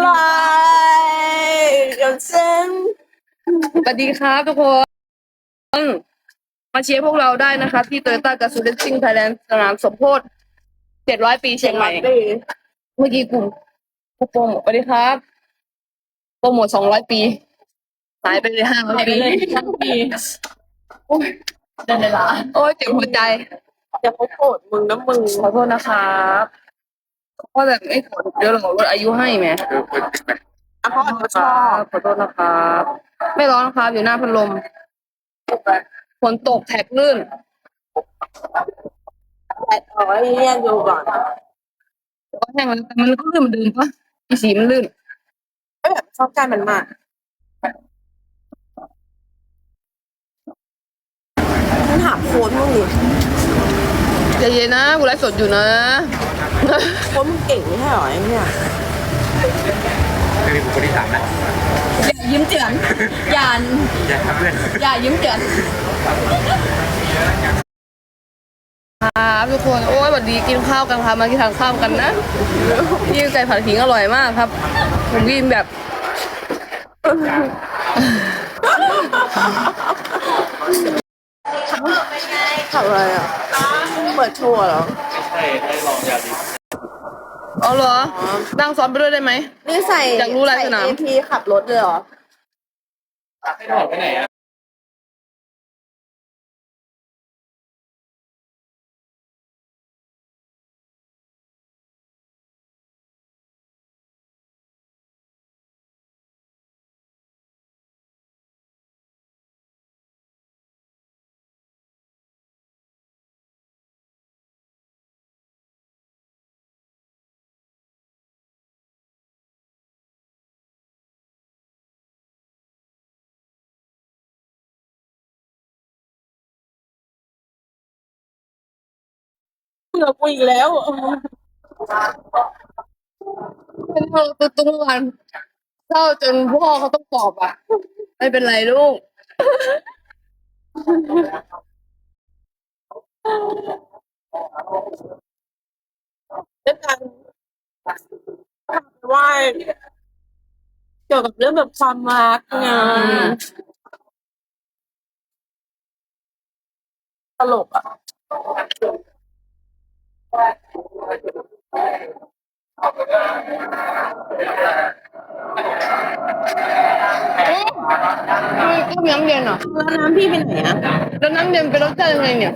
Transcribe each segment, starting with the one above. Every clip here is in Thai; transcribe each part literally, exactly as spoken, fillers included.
เดี๋ยวเส้นสวัสดีครับทุกคนมาเชียร์พวกเราได้นะครับที่โตโยต้ากับซูเดนซิ่งไทยแลนด์สนามสมโพธิเจ็ดร้อยปีเชียงใหม่เมื่อกี้กูกูโปรโมทสวัสดีครับโปรโมทสองร้อยปีหายไปเลยห้าร้อยปีทั้งปีโอ้ยเดินเวลาโอ้ยเจ็บหัวใจจะเขาโกรธมึงนะมึงขอโทษนะครับเพราะแบบไม่ขอเดี๋ยวเราลดอายุให้ไหมอ่ะเพราะเขาชอบขอโทษนะครับไม่ร้อนนะครับอยู่หน้าพัดลมฝนตกแท็กลื่นแต่เอาไว้แยกดูก่อนแต่ก็แห้งแล้วแต่มันก็ลื่นเหมือนเดิมปะอีสีมันลื่นไม่แบบชอบการมันมากมึงถามโค้ดมึงดิใจเย็นนะกูไลฟ์สดอยู่นะโค้ดมึงเก่งไม่ใช่หรอไอ้เนี่ยคือบุคคลที่สามนะอย่ายิ้มเจือนอย่าอย่าทำเพื่อนอย่ายิ้มเจือนครับทุกคนโอ้ยสวัสดีกินข้าวกันครับมากินทานข้าวกันนะยี่ไก่ผัดขิงอร่อยมากครับผมกินแบบขับอะไรอ่ะเปิดโชว์เหรอไม่ใช่ให้ลองยาดีอ๋อเหรอนั่งซ้อนไปด้วยได้ไหมนี่ใส่อยากรู้อะไรสนามเอพีขับรถเลยเหรอให้ถอดไปไหนอ่ะเบื่อกูอีกแล้วเป็นเธอตัวตุ้งวันเศร้าจนพ่อเขาต้องปลอบอ่ะไม่เป็นไรลูกเรื่องการว่าเกี่ยวกับเรื่องแบบความรักไงตลกอ่ะก็น้ำเย็นเหรอแล้วน้ำพี่เป็นไหนอ่ะแล้วน้ำเย็นเป็นรสชาติยังไงเนี่ย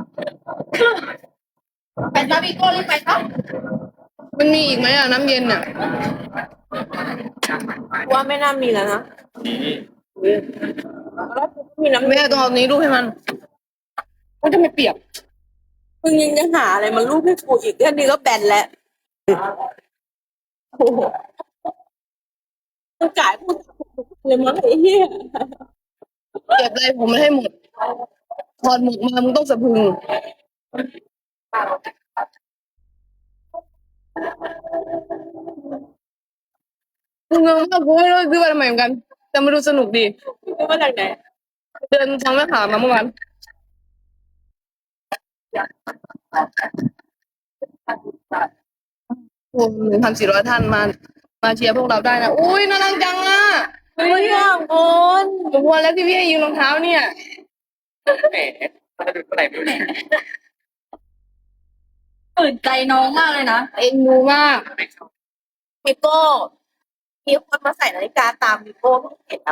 ไปซาบิโก้รีบไปครับมันมีอีกไหมอ่ะน้ำเย็นเนี่ยว่าไม่น่ามีแล้วนะแล้วมีน้ำแม่ต้องเอานี้รูปให้มันมันจะไม่เปียกมึงยังจะหาอะไรมันรูปให้กูอีกแค่นี้ก็แบนแล้วโอ้โหมึงจ่ายพูดเลยมั้งไอ้เหี้ยเก็บอะไรผมไม่ให้หมดถอดหมวกมามึงต้องสะพึงมึงงงมากกูไม่รู้ซื้อมาทำไมเหมือนกันแต่มาดูสนุกดีซื้อมาจากไหนเดินทางแม่ขามาเมื่อวานโอ้หนึ่งพันสี่ร้อยท่านมามาเชียร์พวกเราได้นะอุ้ยน่ารักจังอ่ะเฮ้ยอ่ะคนผมวันแล้วที่พี่ให้ยืมรองเท้าเนี่ยแหมจะดูเท่าไหร่ไม่รู้ตื่นใจน้องมากเลยนะเอ็นดูมากมิโก้มีคนมาใส่นาฬิกาตามมิโก้เห็นนะ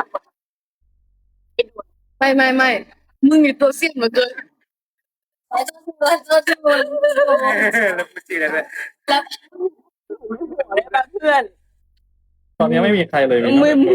ไม่ไม่ไม่มึงมีตัวเสี้ยนเหลือเกินตัวตัวตัวตัวแล้วพูดจริงเลยแล้วเพื่อนตอนนี้ไม่มีใครเลยไม่มี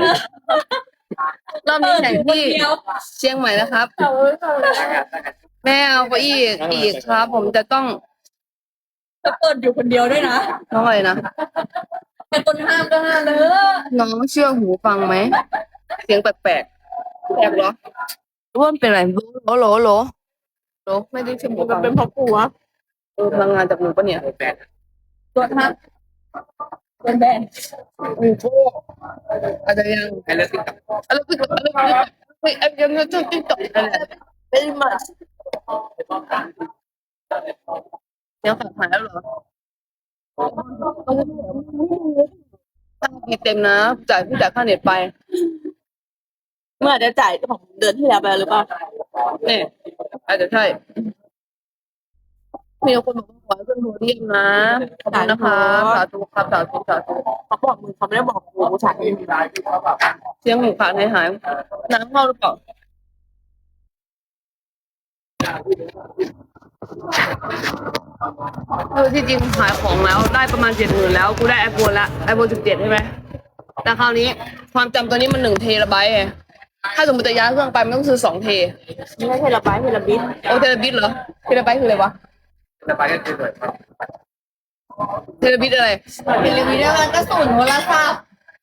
รอบนี้แข่งที่เชียงใหม่นะครับแม่เอาไปอีกอีกครับผมจะต้องจะเปิดอยู่คนเดียวด้วยนะน้องอะไรนะเป็นคนห้ามก็ห้ามเลยน้องเชื่อหูฟังไหมเสียงแปลกๆแปลกเหรอร่วมเป็นไรโหลโหลโหลโหลไม่ได้เชื่อหูฟังเป็นเพราะกูวะเออพลังงานจากหนูปะเนี่ยตัวทับเป็นแบนโอ้โหอาจจะยังให้เลิกติ๊กต็อกอะไรติ๊กต็อกอะไรติ๊กต็อกเฮ้ยไอ้ยังจะติ๊กต็อกอะไรเป็นมาเดี๋ยวฝากหายแล้วเหรอมีเต็มนะจ่ายพี่จ่ายค่าเน็ตไปเมื่ออาจจะจ่ายของเดือนที่แล้วไปแล้วหรือเปล่าเนี่ยอาจจะใช่มีคนบอกว่าขอให้ขึ้นโพเดียมนะขอบคุณนะคะสาธุครับสาธุสาธุเขาบอกมึงเขาไม่ได้บอกกูฉันเสียงหูขาดหายหายน้ำเข้าหรือเปล่าคือที่จริงขายของแล้วได้ประมาณเจ็ดหมื่นแล้วกูได้ไอโฟนละไอโฟนสิบเจ็ดใช่ไหมแต่คราวนี้ความจำตัวนี้มันหนึ่งเทราไบต์ไงถ้าสมมติจะย้ายเครื่องไปมันต้องซื้อสองเทไม่ใช่เทราไบต์เทราบิตโอเทราบิตเหรอเทราไบต์คืออะไรวะระบายกันเฉยๆครับเทราบิตอะไรเทราบิตมันก็ศูนย์โทรศัพท์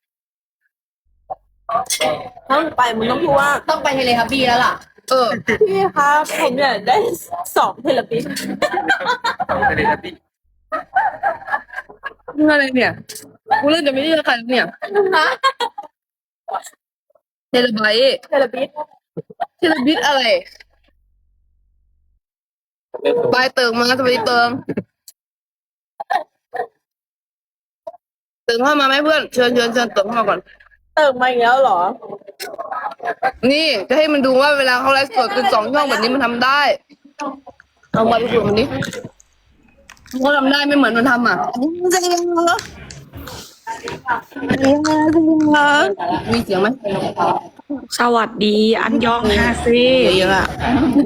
ถ้ามึงไปมึงต้องพูดว่าต้องไปเทเลทับบี้แล้วล่ะเออพี่ครับผมอยากได้สองเทราบิตไปเลยนะพี่เรื่องอะไรเนี่ยกูเริ่มจะไม่เชื่อใครแล้วเนี่ยเทราไบต์เทราบิตเทราบิตอะไรบายเติมมาสวัสดีเติมเติมเข้ามาไหมเพื่อนเชิญเชิญเชิญเติมเข้ามาก่อนเติมมาอีกแล้วเหรอนี่จะให้มันดูว่าเวลาเขาไลฟ์สดเป็นสองช่องแบบนี้มันทำได้เอามาดูมันนี้เขาทำได้ไม่เหมือนมันทำอ่ะจะยังเหรอมีเสียงไหมสวัสดี อันยองฮาเซเยอะอ่ะ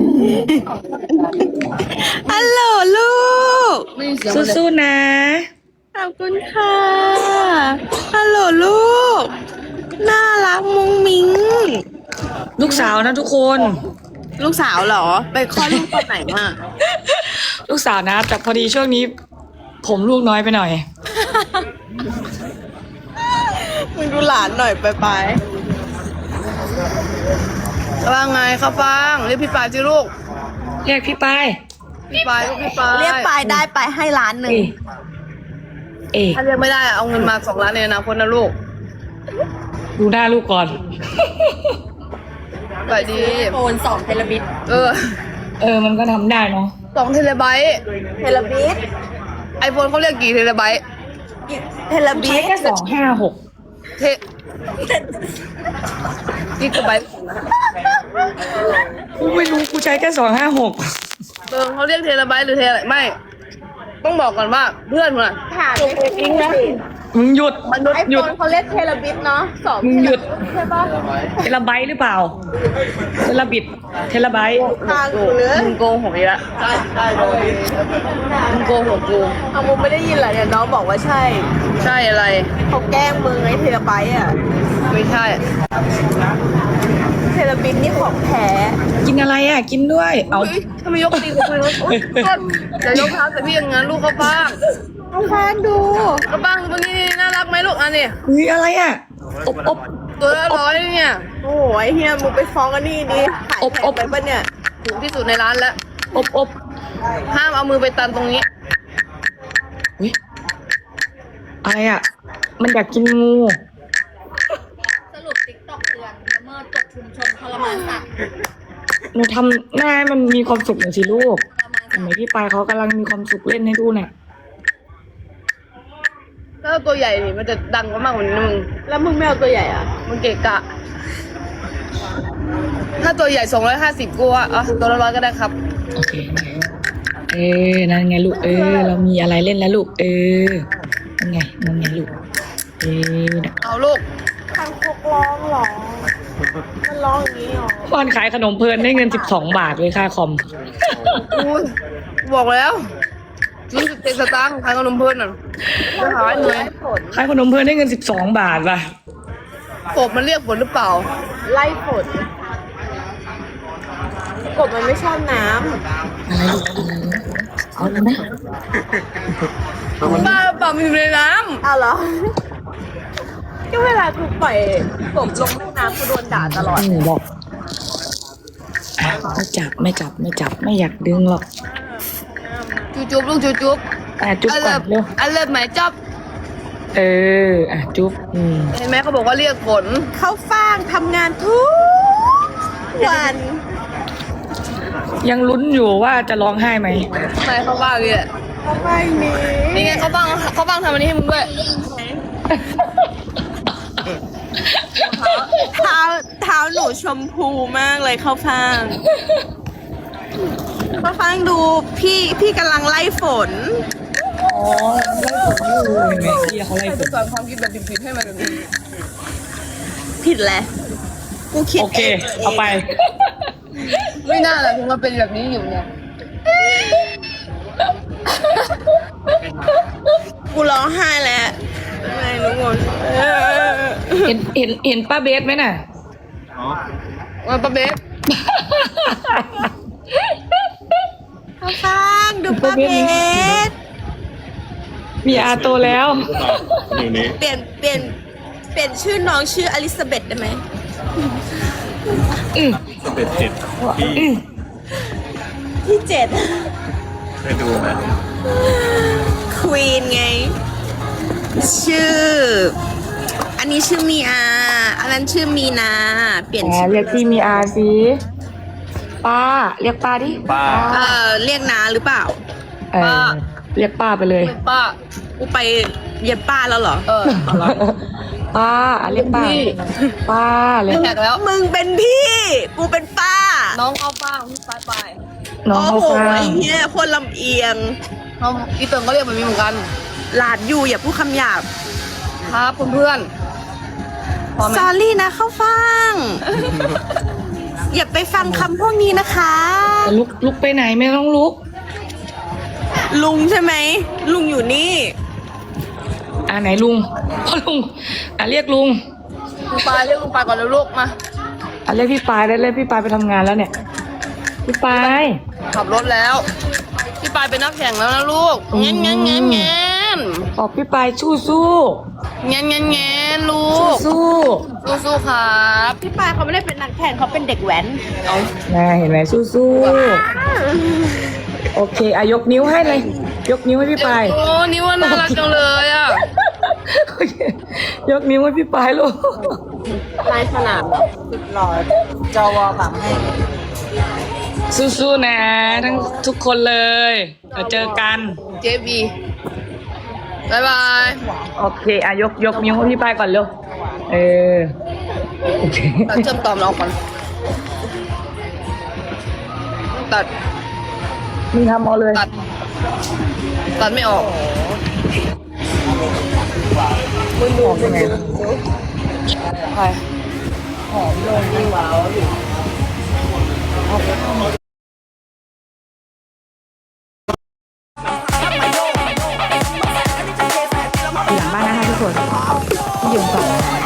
ฮัลโหลลูกไม่มีเสียงเลยสู้ๆนะ ขอบคุณค่ะ ฮัลโหลลูก น่ารักมุ้งมิ้ง ลูกสาวนะทุกคนลูกสาวเหรอ ไปคลอดลูกตอนไหนมาลูกสาวนะ แต่พอดีช่วงนี้ ผมลูกน้อยไปหน่อยมึงดูหลานหน่อยไปไปว่าไงข้าวฟ่างเรียกพี่ปายสิลูกเรียกพี่ป้ายพี่ปายลูกพี่ปายเรียกปลายได้ไปให้ล้านหนึ่งเอเอถ้าเรียกไม่ได้เอาเงินมาสองล้านในอนาคตนะลูกดูหน้าลูกก่อนไปดีโอนสองเทราบิตเออเออ มันก็ทำได้เนาะสองเทเลไบต์เทราบิตไอโฟนเขาเรียกกี่เทเลไบต์เทราบิใช้ตแค่สองห้าหกเทกิกะไบต์กูไม่รู้กูใช้แค่สองห้าหกเออเขาเรียกเทเลไบต์หรือเทอะไรไม่ ต้องบอกก่อนว่าเพื่อนมันอะถามไม่จริงนะมึงหยุดมนุษย์ไอหโฟยุดนเขาเรียกเทราบิตเนาะสองมึงหยุดใช่ปะเทราไบต์หรือเปล่า เทราบิต เทราไบต์ทางกูเลยมึงโกหกอีกแล้วมึงโกหกกูเอามึงไม่ได้ยินเหรอเนี่ยน้องบอกว่าใช่ใช่อะไรเขาแกล้งมึงไอ้เทราไบต์อ่ะไม่ใช่เทราบิตนี่ของแท้กินอะไรอ่ะ กินด้วย เอาเฮ้ยทำไมยกตีกับกูเลยโอ๊ยต้นอย่ายกเท้าใส่พี่อย่างนั้นลูกเขาบ้างเอาแฟนดูก็บ้างวันนี้น่ารักไหมลูกอันนี้เฮ้ยอะไรอ่ะ อบอบตัวละร้อยเนี่ยโอ้โหไอ้เฮียมึงไปฟ้องกันนี่ดิขายอบแพอง บไปปะเนี่ยถูกที่สุดในร้านแล้วอบอบห้ามเอามือไปตันตรงนี้อุ๊ยอะไรอ่ะ มันอยากกินงูสรุปติ๊กต็อกเตือนละเมิดกฎชุมชนทรมานสัตว์หนูทำหน้าให้มันมีความสุขหน่อยสิลูกทรมานทำไมพี่ปายเขากำลังมีความสุขเล่นให้ดูเนี่ยถ้าตัวใหญ่นี่มันจะดังกว่ามากกว่านี้นะมึงแล้วมึงไม่เอาตัวใหญ่อ่ะมันเกะกะ ถ้าตัวใหญ่สองร้อยห้าสิบกูว่าอ่ะตัวละร้อยก็ได้ครับโอเคเออนั่นไงลูก เออ เรามีอะไรเล่นแล้วลูก เออ นั่นไง นั่นไงลูก เออน่ะเอาลูกทางพวกร้องเหรอ มันร้องอย่างนี้เหรอวันขายขนมเพลินได้เงินสิบสองบาทเลยค่าคอมอุ้ยบอกแล้วยี่สิบเจ็ดสตางค์ขายขนมเพื่อนน่ะจะหายเหนื่อยผลขายขนมเพลินได้เงินสิบสองบาทว่ะกบมันเรียกฝนหรือเปล่าไล่ผลกบมันไม่ชอบน้อะไรลูกอะไรนะเอาเลยไหมบ้าเปล่ามันอยู่ในน้ำอ้าวเหรอ ก็เวลากูปล่อยกบลงแม่น้ำกูโดนด่าตลอดหนูบอกอ่ะไม่จับไม่จับไม่จับไม่อยากดึงหรอกำจุ๊บจุ๊บลูกจุ๊บจุ๊บอ่ะจุ๊บอันก่เลิอนฟเร็วอันเลิฟไหมจ๊อบเออ อ่ะจุ๊บอืมเห็นไหมเขาบอกว่าเรียกฝนเขาฟ้างทำงานทุกวันยังลุ้นอยู่ว่าจะร้องไห้ไหมทำไมเขาบ้างเนี่ยเขาไม่มีนี่ไงเขาบ้างเขาบ้างทำอันนี้ให้มึงด้วยเท้าเท้าหนูชมพูมากเลยเข้าฟางเข้าฟางดูพี่พี่กำลังไล่ฝนอ๋อไล่ฝนอยู่เห็นไหมพี่เขาไล่ฝนสอนความคิดแบบดิบๆให้มันแบบนี้ผิดแหละกูคิดโอเค เอาไปไม่น่าแหละถึงมาเป็นแบบนี้อยู่เนี่ยกูร้องไห้แล้วไม่ทุกคนเห็นเห็นเห็นป้าเบสไหมน่ะอ๋อว่าป้าเบสเข้าฟางดูป้าเบสมีอาโตแล้วอยู่นี้เปลี่ยนเปลี่ยนเปลี่ยนชื่อน้องชื่ออลิซาเบธได้ไหมอืมสเต็ปเจ็ดที่อืมที่เจ็ดเคยดูไหมควีนไง ชื่อ อันนี้ชื่อมีอา อันนั้นชื่อมีนา เปลี่ยนแหมชื่อเรียกพี่มีอาสิป้า เรียกป้าดิป้าเออเรียกนาหรือเปล่าเออเรียกป้าไปเลยเป็นป้ากูไปเย็บป้าแล้วเหรอเออป้าเรียกป้าพี่ป้าเลยแตกแล้วมึงเป็นพี่ กูเป็นป้าน้องเอาป้าพี่ไปไปน้องโอ้เขาโหฟังไอ้เหี้ยคนลำเอียงน้องอีเติงก็เรียกแบบนี้เหมือนกันหลาดอยู่อย่าพูดคำหยาบครับเพื่อนๆพร้อมไหมสอรี่นะเข้าฟัง อย่าไปฟังคำพวกนี้นะคะจะลุกลุกไปไหนไม่ต้องลุกลุงใช่ไหม ลุงอยู่นี่อ่าไหนลุงพ่อลุงอ่ะเรียกลุงลุงปายเรียกลุงปายก่อนแล้วลูกมาอ่ะเรียกพี่ปายได้เรียกพี่ปายไปทำงานแล้วเนี่ย พี่ปายขับรถแล้ว พี่ปายเป็นนักแข่งแล้วนะลูกเงี้ยเงี้ยเงี้ยเงี้ยบอกพี่ปายสู้สู้เงี้ยเงี้ยเงี้ยลูสู้กสู้สู้สู้ครับพี่ปายเขาไม่ได้เป็นนักแข่งเขาเป็นเด็กแว้นเอานะเห็นไหมสู้สู้โอเคอายกนิ้วให้เลย ยกนิ้วให้พี่ปายโอ้นี่ว่าน่ารักจังเลยอ่ะโอเคยกนิ้วให้พี่ปายลูกลายสนามสุดหล่อจวแบบให้สู้ๆนะทั้งทุกคนเลยเดี๋ยวเจอกันเจบีบายบายโอเคอายกยกนิ้วให้พี่ปายก่อนเร็วเออโอเคตัดเชื่อมต่อมันออกก่อนตัดมีทำเอาเลยตัด ตัดไม่ออกออกยังไงใครอยู่หลังบ้านนะคะทุกคนที่ยืนก่อน